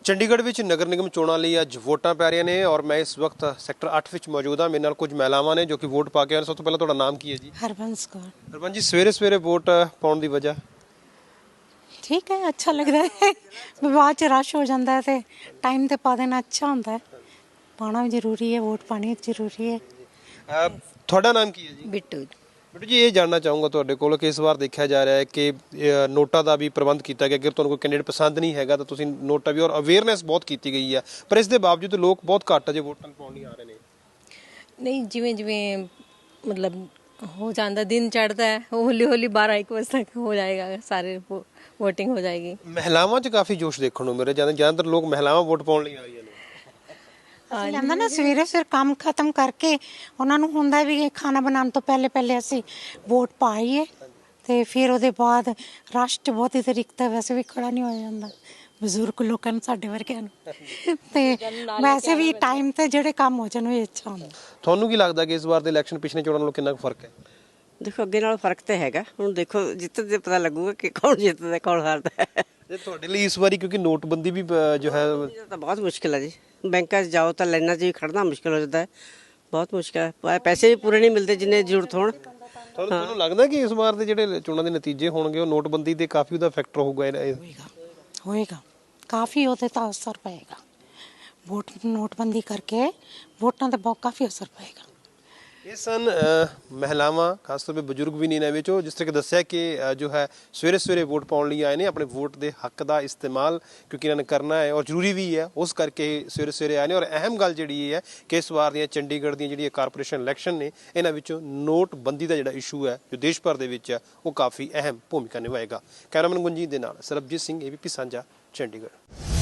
ਚੰਡੀਗੜ੍ਹ ਵਿੱਚ ਨਗਰ ਨਿਗਮ ਚੋਣਾਂ ਲਈ ਅੱਜ ਵੋਟਾਂ ਪੈ ਰਹੀਆਂ ਨੇ ਔਰ ਮੈਂ ਇਸ ਵਕਤ ਸੈਕਟਰ 8 ਵਿੱਚ ਮੌਜੂਦ ਹਾਂ। ਮੇਰੇ ਨਾਲ ਕੁਝ ਮਹਿਲਾਵਾਂ ਨੇ ਜੋ ਕਿ ਵੋਟ ਪਾ ਕੇ ਆਏ ਨੇ। ਸਭ ਤੋਂ ਪਹਿਲਾਂ ਤੁਹਾਡਾ ਨਾਮ ਕੀ ਹੈ ਜੀ? हरबंस कौर। ਹਰਬੰਸ ਜੀ, ਸਵੇਰੇ ਵੋਟ ਪਾਉਣ ਦੀ ਵਜ੍ਹਾ? ठीक है, अच्छा लग रहा है। बाद च रश हो जाता है तो टाइम ते पा देना अच्छा होता है। पाना भी जरूरी है, वोट पानी जरूरी है। ਤੁਹਾਡਾ ਨਾਮ ਕੀ ਹੈ ਜੀ? बिट्टू ਬਿੱਟੂ ਜੀ, ਇਹ ਜਾਣਨਾ ਚਾਹੂੰਗਾ ਤੁਹਾਡੇ ਕੋਲ ਕਿ ਇਸ ਵਾਰ ਦੇਖਿਆ ਜਾ ਰਿਹਾ ਹੈ ਕਿ ਨੋਟਾਂ ਦਾ ਵੀ ਪ੍ਰਬੰਧ ਕੀਤਾ ਗਿਆ। ਅਗਰ ਤੁਹਾਨੂੰ ਕੋਈ ਕੈਂਡੀਡੇਟ ਪਸੰਦ ਨਹੀਂ ਹੈਗਾ ਤਾਂ ਤੁਸੀਂ ਨੋਟਾਂ ਵੀ, ਔਰ ਅਵੇਅਰਨੈਸ ਬਹੁਤ ਕੀਤੀ ਗਈ ਹੈ, ਪਰ ਇਸ ਦੇ ਬਾਵਜੂਦ ਲੋਕ ਬਹੁਤ ਘੱਟ ਅਜੇ ਵੋਟਾਂ ਪਾਉਣ ਨਹੀਂ ਆ ਰਹੇ ਨੇ। ਨਹੀਂ, ਜਿਵੇਂ ਜਿਵੇਂ ਮਤਲਬ ਹੋ ਜਾਂਦਾ, ਦਿਨ ਚੜ੍ਹਦਾ ਹੈ, ਹੌਲੀ ਹੌਲੀ 12-1 ਵਜੇ ਤੱਕ ਹੋ ਜਾਏਗਾ, ਸਾਰੇ ਵੋਟਿੰਗ ਹੋ ਜਾਏਗੀ। ਮਹਿਲਾਵਾਂ 'ਚ ਕਾਫੀ ਜੋਸ਼ ਦੇਖਣ ਨੂੰ ਮਿਲ ਰਿਹਾ, ਜ਼ਿਆਦਾਤਰ ਲੋਕ ਮਹਿਲਾਵਾਂ ਵੋਟ ਪਾਉਣ ਲਈ ਆ ਰਹੀਆਂ ਨੇ। ਜਾਂਦਾ ਨਾ ਸਵੇਰੇ ਕੰਮ ਖਤਮ ਕਰਕੇ ਉਹਨਾਂ ਨੂੰ ਹੁੰਦਾ ਵੀ ਖਾਣਾ ਬਣਾਉਣ ਤੋਂ ਪਹਿਲੇ ਅਸੀਂ ਵੋਟ ਪਾਈਏ ਤੇ ਫਿਰ ਉਹਦੇ ਬਾਅਦ ਰਸ਼ 'ਚ ਬਹੁਤ ਹੀ ਤਰੀਕਾ ਵੈਸੇ ਵੀ ਖੜਾ ਨਹੀਂ ਹੋਇਆ ਜਾਂਦਾ ਬਜ਼ੁਰਗ ਲੋਕਾਂ ਨੂੰ, ਸਾਡੇ ਵਰਗਿਆਂ ਨੂੰ, ਤੇ ਵੈਸੇ ਵੀ ਟਾਈਮ ਤੇ ਜਿਹੜੇ ਕੰਮ ਹੋ ਜਾਣ ਉਹ ਅੱਛਾ ਹੁੰਦਾ। ਤੁਹਾਨੂੰ ਕੀ ਲੱਗਦਾ ਕਿ ਇਸ ਵਾਰ ਦੇ ਇਲੈਕਸ਼ਨ ਪਿਛਲੇ ਚੋਣਾਂ ਨਾਲੋਂ ਕਿੰਨਾ ਕੁ ਫਰਕ ਹੈ? ਦੇਖੋ, ਅੱਗੇ ਨਾਲ ਫਰਕ ਤਾਂ ਹੈਗਾ। ਹੁਣ ਦੇਖੋ ਜਿੱਤਦੇ ਪਤਾ ਲੱਗੂਗਾ ਕਿ ਕੌਣ ਜਿੱਤਦਾ ਕੌਣ ਹਾਰਦਾ ਹੈ। ਤੇ ਤੁਹਾਡੇ ਲਈ ਇਸ ਵਾਰੀ ਕਿਉਂਕਿ ਨੋਟਬੰਦੀ ਵੀ ਜੋ ਹੈ ਇਹ ਤਾਂ ਬਹੁਤ ਮੁਸ਼ਕਿਲ ਹੈ ਜੀ। ਬੈਂਕਾਂ 'ਚ ਜਾਓ ਤਾਂ ਲਾਈਨਾਂ 'ਚ ਵੀ ਖੜਨਾ ਮੁਸ਼ਕਿਲ ਹੋ ਜਾਂਦਾ ਹੈ, ਬਹੁਤ ਮੁਸ਼ਕਿਲ ਹੈ। ਪੈਸੇ ਵੀ ਪੂਰੇ ਨਹੀਂ ਮਿਲਦੇ ਜਿੰਨੇ ਜ਼ਰੂਰਤ ਹੋਣ। ਤੁਹਾਨੂੰ ਲੱਗਦਾ ਕਿ ਇਸ ਵਾਰ ਦੇ ਜਿਹੜੇ ਚੋਣਾਂ ਦੇ ਨਤੀਜੇ ਹੋਣਗੇ ਉਹ ਨੋਟਬੰਦੀ ਦੇ ਕਾਫੀ ਉਹਦਾ ਫੈਕਟਰ ਹੋਊਗਾ? ਹੋਏਗਾ ਕਾਫੀ, ਉਹਦੇ ਤਾਂ ਅਸਰ ਪਏਗਾ। ਨੋਟਬੰਦੀ ਕਰਕੇ ਵੋਟਾਂ ਤੇ ਬਹੁਤ ਕਾਫੀ ਅਸਰ ਪਏਗਾ। ਇਹ ਸਨ ਮਹਿਲਾਵਾਂ, ਖਾਸ ਤੌਰ 'ਤੇ ਬਜ਼ੁਰਗ ਵੀ ਨੇ ਇਹਨਾਂ ਵਿੱਚੋਂ, ਜਿਸ ਤਰ੍ਹਾਂ ਕਿ ਦੱਸਿਆ ਕਿ ਜੋ ਹੈ ਸਵੇਰੇ ਵੋਟ ਪਾਉਣ ਲਈ ਆਏ ਨੇ। ਆਪਣੇ ਵੋਟ ਦੇ ਹੱਕ ਦਾ ਇਸਤੇਮਾਲ ਕਿਉਂਕਿ ਇਹਨਾਂ ਨੇ ਕਰਨਾ ਹੈ ਔਰ ਜ਼ਰੂਰੀ ਵੀ ਹੈ, ਉਸ ਕਰਕੇ ਸਵੇਰੇ ਆਏ ਨੇ। ਔਰ ਅਹਿਮ ਗੱਲ ਜਿਹੜੀ ਇਹ ਹੈ ਕਿ ਇਸ ਵਾਰ ਦੀਆਂ ਚੰਡੀਗੜ੍ਹ ਦੀਆਂ ਜਿਹੜੀਆਂ ਕਾਰਪੋਰੇਸ਼ਨ ਇਲੈਕਸ਼ਨ ਨੇ, ਇਹਨਾਂ ਵਿੱਚੋਂ ਨੋਟਬੰਦੀ ਦਾ ਜਿਹੜਾ ਇਸ਼ੂ ਹੈ ਜੋ ਦੇਸ਼ ਭਰ ਦੇ ਵਿੱਚ ਹੈ ਉਹ ਕਾਫੀ ਅਹਿਮ ਭੂਮਿਕਾ ਨਿਭਾਏਗਾ। ਕੈਮਰਾਮੈਨ ਗੁੰਜੀਤ ਦੇ ਨਾਲ ਸਰਬਜੀਤ ਸਿੰਘ, ABP ਸਾਂਝਾ, ਚੰਡੀਗੜ੍ਹ।